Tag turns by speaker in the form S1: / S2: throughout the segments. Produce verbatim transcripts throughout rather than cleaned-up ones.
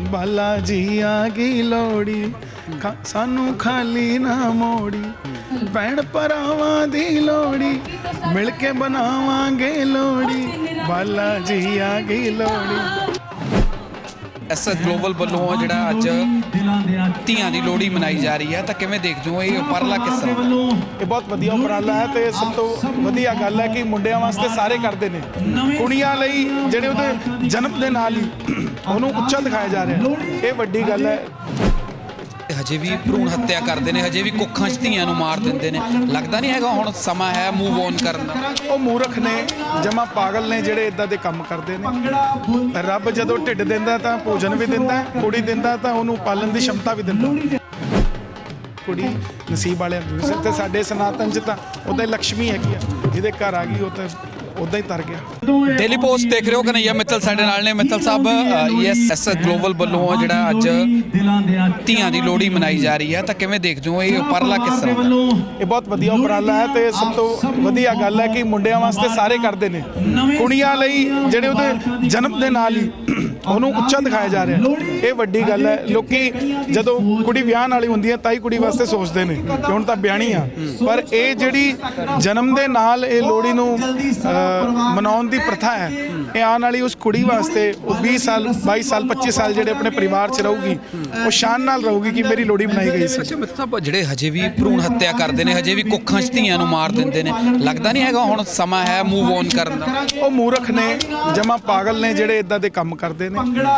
S1: ਬਾਲਾ ਜੀ ਆ ਗਈ ਲੋੜੀ ਖਾ- ਸਾਨੂੰ ਖਾਲੀ ਨਾ ਮੋੜੀ ਭੈਣ ਭਰਾਵਾਂ ਦੀ ਲੋੜੀ ਮਿਲ ਕੇ ਬਣਾਵਾਂਗੇ ਲੋੜੀ ਬਾਲਾ ਜੀ ਆ ਗਈ ਲੋੜੀ।
S2: ਐਸ ਗਲੋਬਲ ਵੱਲੋਂ ਜਿਹੜਾ ਅੱਜ ਧੀਆਂ ਦੀ ਲੋਹੜੀ ਮਨਾਈ ਜਾ ਰਹੀ ਹੈ ਤਾਂ ਕਿਵੇਂ ਦੇਖਦੇ ਹੋ ਇਹ ਉਪਰਾਲਾ ਕਿਸ ਤਰ੍ਹਾਂ ਦਾ?
S1: ਇਹ ਬਹੁਤ ਵਧੀਆ ਉਪਰਾਲਾ ਹੈ ਤੇ ਸਭ ਤੋਂ ਵਧੀਆ ਗੱਲ ਹੈ ਕਿ ਮੁੰਡਿਆਂ ਵਾਸਤੇ ਸਾਰੇ ਕਰਦੇ ਨੇ, ਕੁੜੀਆਂ ਲਈ ਜਿਹੜੇ ਉਹਦੇ ਜਨਮ ਦੇ ਨਾਲ ਹੀ ਉਹਨੂੰ ਉੱਚਾ ਦਿਖਾਇਆ ਜਾ ਰਿਹਾ, ਇਹ ਵੱਡੀ ਗੱਲ ਹੈ।
S2: ਹਜੇ ਵੀ ਭਰੂਣ ਹੱਤਿਆ ਕਰਦੇ ਨੇ, ਹਜੇ ਵੀ ਕੁੱਖਾਂ 'ਚ ਧੀਆਂ ਨੂੰ ਮਾਰ ਦਿੰਦੇ ਨੇ। ਲੱਗਦਾ ਨਹੀਂ ਹੈਗਾ ਹੁਣ ਸਮਾਂ ਹੈ ਮੂਵ ਔਨ ਕਰਨ ਦਾ?
S1: ਉਹ ਮੂਰਖ ਨੇ, ਜਮਾ ਪਾਗਲ ਨੇ ਜਿਹੜੇ ਇਦਾਂ ਦੇ ਕੰਮ ਕਰਦੇ ਨੇ। ਰੱਬ ਜਦੋਂ ਢਿੱਡ ਦਿੰਦਾ ਤਾਂ ਭੋਜਨ ਵੀ ਦਿੰਦਾ, ਕੁੜੀ ਦਿੰਦਾ ਤਾਂ ਉਹਨੂੰ ਪਾਲਣ ਦੀ ਸ਼ਮਤਾ ਵੀ ਦਿੰਦਾ। ਕੁੜੀ ਨਸੀਬ ਵਾਲਿਆਂ ਨੂੰ ਸਿਰ ਤੇ ਸਾਡੇ ਸਨਾਤਨ 'ਚ ਤਾਂ ਉਹਦਾ ਲక్ష్ਮੀ ਹੈਗੀ ਆ, ਜਿਹਦੇ ਘਰ ਆ ਗਈ ਉਹ ਤਾਂ ਉਦਾਂ ਹੀ ਤਰ ਗਿਆ।
S2: ਡੇਲੀ ਪੋਸਟ ਦੇਖ ਰਹੇ ਹੋ ਕਨਈਆ ਮਿੱਤਲ ਸਾਡੇ ਨਾਲ ਨੇ। ਮਿੱਤਲ ਸਾਹਿਬ, ਯੈਸ ਐਸ ਗਲੋਬਲ ਵੱਲੋਂ ਜਿਹੜਾ ਅੱਜ ਧੀਆਂ ਦੀ ਲੋਹੜੀ ਮਨਾਈ ਜਾ ਰਹੀ ਹੈ ਤਾਂ ਕਿਵੇਂ ਦੇਖਦੇ ਹੋ ਇਹ ਉਪਰਾਲਾ ਕਿਸ ਤਰ੍ਹਾਂ ਦਾ?
S1: ਇਹ ਬਹੁਤ ਵਧੀਆ ਉਪਰਾਲਾ ਹੈ ਤੇ ਸਭ ਤੋਂ ਵਧੀਆ ਗੱਲ ਹੈ ਕਿ ਮੁੰਡਿਆਂ ਵਾਸਤੇ ਸਾਰੇ ਕਰਦੇ ਨੇ, ਕੁੜੀਆਂ ਲਈ ਜਿਹੜੇ ਉਹਦੇ ਜਨਮ ਦੇ ਨਾਲ ਹੀ ਉਹਨੂੰ ਉੱਚਾ ਦਿਖਾਇਆ ਜਾ ਰਿਹਾ, ਇਹ ਵੱਡੀ ਗੱਲ ਹੈ। ਲੋਕੀ ਜਦੋਂ ਕੁੜੀ ਵਿਆਹਣ ਵਾਲੀ ਹੁੰਦੀ ਹੈ ਤਾਂ ਹੀ ਕੁੜੀ ਵਾਸਤੇ ਸੋਚਦੇ ਨੇ ਕਿ ਹੁਣ ਤਾਂ ਵਿਆਹਣੀ ਆ, ਪਰ ਇਹ ਜਿਹੜੀ ਜਨਮ ਦੇ ਨਾਲ ਇਹ ਲੋਹੜੀ ਨੂੰ ਮਨਾਉਣ ਦੀ ਪ੍ਰਥਾ ਹੈ, ਇਹ ਆਉਣ ਵਾਲੀ ਉਸ ਕੁੜੀ ਵਾਸਤੇ ਉਹ ਵੀਹ ਸਾਲ ਬਾਈ ਸਾਲ ਪੱਚੀ ਸਾਲ ਜਿਹੜੇ ਆਪਣੇ ਪਰਿਵਾਰ 'ਚ ਰਹੂਗੀ, ਉਹ ਸ਼ਾਨ ਨਾਲ ਰਹੂਗੀ ਕਿ ਮੇਰੀ ਲੋਹੜੀ ਬਣਾਈ ਗਈ ਸੀ।
S2: ਅੱਛਾ ਮਿੱਤਲ ਸਾਹਿਬ, ਜਿਹੜੇ ਹਜੇ ਵੀ ਭਰੂਣ ਹੱਤਿਆ ਕਰਦੇ ਨੇ, ਹਜੇ ਵੀ ਕੁੱਖਾਂ 'ਚ ਧੀਆਂ ਨੂੰ ਮਾਰ ਦਿੰਦੇ ਨੇ, ਲੱਗਦਾ ਨਹੀਂ ਹੈਗਾ ਹੁਣ ਸਮਾਂ ਹੈ ਮੂਵ ਔਨ ਕਰਨ ਦਾ?
S1: ਉਹ ਮੂਰਖ ਨੇ, ਜਮਾ ਪਾਗਲ ਨੇ ਜਿਹੜੇ ਇਦਾਂ ਦੇ ਕੰਮ ਕਰਦੇ ਨੇ।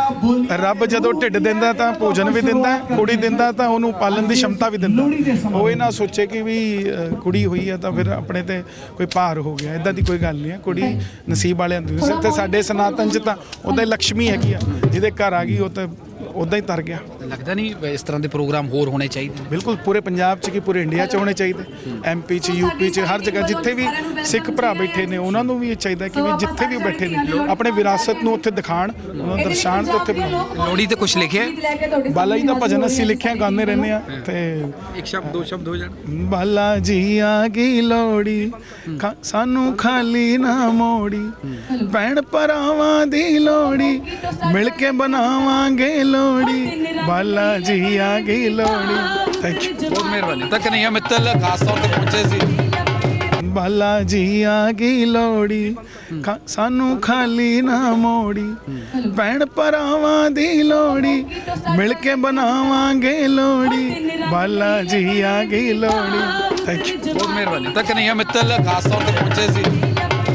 S1: ਰੱਬ ਜਦੋਂ ਢਿੱਡ ਦਿੰਦਾ ਤਾਂ ਭੋਜਨ ਵੀ ਦਿੰਦਾ, ਕੁੜੀ ਦਿੰਦਾ ਤਾਂ ਉਹਨੂੰ ਪਾਲਣ ਦੀ ਸ਼ਮਤਾ ਵੀ ਦਿੰਦਾ। ਉਹ ਇਹ ਨਾ ਸੋਚੇ ਕਿ ਵੀ ਕੁੜੀ ਹੋਈ ਆ ਤਾਂ ਫਿਰ ਆਪਣੇ ਤੇ ਕੋਈ ਭਾਰ ਹੋ ਗਿਆ, ਇਦਾਂ ਦੀ ਕੋਈ ਗੱਲ ਨਹੀਂ ਹੈ। ਕੁੜੀ ਨਸੀਬ ਵਾਲਿਆਂ ਨੂੰ ਸਿਰ ਤੇ ਸਾਡੇ ਸਨਾਤਨ 'ਚ ਤਾਂ ਉਹਦਾ ਲక్ష్ਮੀ ਹੈਗੀ ਆ, ਜਿਹਦੇ ਘਰ ਆ ਗਈ ਉਹ ਤਾਂ ਉਦਾਂ ਹੀ ਤਰ ਗਿਆ।
S2: ਲੱਗਦਾ ਨਹੀਂ ਇਸ ਤਰ੍ਹਾਂ ਦੇ ਪ੍ਰੋਗਰਾਮ ਹੋਰ ਹੋਣੇ ਚਾਹੀਦੇ?
S1: ਬਿਲਕੁਲ, ਪੂਰੇ ਪੰਜਾਬ 'ਚ ਕੀ ਪੂਰੇ ਇੰਡੀਆ 'ਚ ਹੋਣੇ ਚਾਹੀਦੇ, ਐਮ ਪੀ 'ਚ, ਯੂ ਪੀ 'ਚ, ਹਰ ਜਗ੍ਹਾ ਜਿੱਥੇ ਵੀ ਸਿੱਖ ਭਰਾ ਬੈਠੇ ਨੇ ਉਹਨਾਂ ਨੂੰ ਵੀ ਇਹ ਚਾਹੀਦਾ ਕਿ ਵੀ ਜਿੱਥੇ ਵੀ ਬੈਠੇ ਨੇ ਆਪਣੇ ਵਿਰਾਸਤ ਨੂੰ ਉੱਥੇ ਦਿਖਾਣ, ਉਹਨੂੰ ਦਰਸਾਉਣ ਤੇ ਉੱਥੇ ਬਣਾਉਣ।
S2: ਲੋਹੜੀ ਤੇ ਕੁਝ ਲਿਖਿਆ?
S1: ਬਾਲਾ ਜੀ ਦਾ ਭਜਨ ਅਸੀਂ ਲਿਖਿਆ, ਗਾਉਂਦੇ ਰਹਿੰਦੇ ਆ ਤੇ
S2: ਇੱਕ ਸ਼ਬਦ ਦੋ ਸ਼ਬਦ ਹੋ ਜਾਣ।
S1: ਬਾਲਾ ਜੀ ਆ ਗਈ ਲੋੜੀ ਖਾ- ਸਾਨੂੰ ਖਾਲੀ ਨਾ ਮੋੜੀ ਭੈਣ ਭਰਾਵਾਂ ਦੀ ਲੋੜੀ ਮਿਲ ਕੇ ਬਣਾਵਾਂਗੇ ਲੋੜੀ ਬਾਲਾ ਜੀ ਆ ਗਈ ਲੋੜੀ। ਥੈਂਕ ਯੂ,
S2: ਬਹੁਤ ਮਿਹਰਬਾਨੀ। ਤਾਂ ਕਨਈਆ ਮਿੱਤਲ ਖਾਸ ਤੌਰ ਤੇ ਪਹੁੰਚੇ ਸੀ।
S1: ਬਾਲਾ ਜੀ ਆ ਗਈ ਲੋੜੀ ਖਾ- ਸਾਨੂੰ ਖਾਲੀ ਨਾ ਮੋੜੀ ਭੈਣ ਭਰਾਵਾਂ ਦੀ ਲੋੜੀ ਮਿਲ ਕੇ ਬਣਾਵਾਂਗੇ ਲੋੜੀ ਬਾਲਾ ਜੀ ਆ ਗਈ ਲੋੜੀ। ਥੈਂਕ ਯੂ,
S2: ਬਹੁਤ ਮਿਹਰਬਾਨੀ। ਤਾਂ ਕਨਈਆ ਮਿੱਤਲ ਖਾਸ ਤੌਰ ਤੇ ਪਹੁੰਚੇ ਸੀ।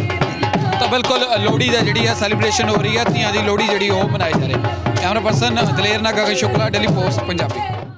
S2: ਤਾਂ ਬਿਲਕੁਲ ਲੋਹੜੀ ਦਾ ਜਿਹੜੀ ਹੈ ਸੈਲੀਬ੍ਰੇਸ਼ਨ ਹੋ ਰਹੀ ਹੈ, ਧੀਆਂ ਦੀ ਲੋਹੜੀ ਜਿਹੜੀ ਉਹ ਮਨਾਈ ਜਾ ਰਹੀ ਹੈ। ਕੈਮਰਾ ਪਰਸਨ ਦਲੇਰ ਨਾਲ ਗਗਨ ਸ਼ੁਕਲਾ, ਡੇਲੀ ਪੋਸਟ ਪੰਜਾਬੀ।